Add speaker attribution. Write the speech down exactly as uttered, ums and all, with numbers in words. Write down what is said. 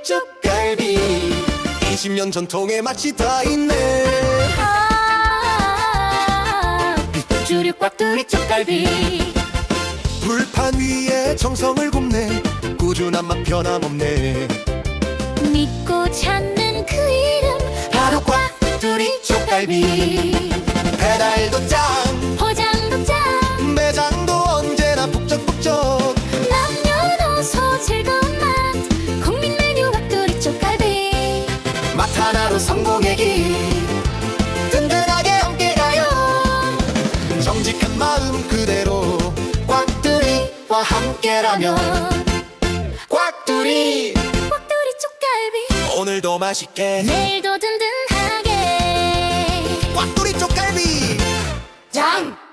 Speaker 1: 쪽갈비. 이십 년 전통의 맛이 다 있네.
Speaker 2: 아, 주류 꽉두리 쪽갈비.
Speaker 1: 불판 위에 정성을 굽네. 꾸준한 맛 변함없네.
Speaker 2: 믿고 찾는 그 이름
Speaker 1: 바로 꽉두리 쪽갈비. 배달도 짱,
Speaker 2: 포장도 짱,
Speaker 1: 매장도 언제나 북적북적.
Speaker 2: 남녀노소 즐거운 맛 국민 메뉴 꽉두리 쪽갈비.
Speaker 1: 맛 하나로 성공의 길 든든하게 함께 가요. 정직한 마음 그대로 꽉두리와 함께라면 꽉두리.
Speaker 2: 꽉두리 쪽갈비.
Speaker 1: 오늘도 맛있게
Speaker 2: 내일도 든든하게
Speaker 1: 꽉두리 쪽갈비.
Speaker 2: 짱!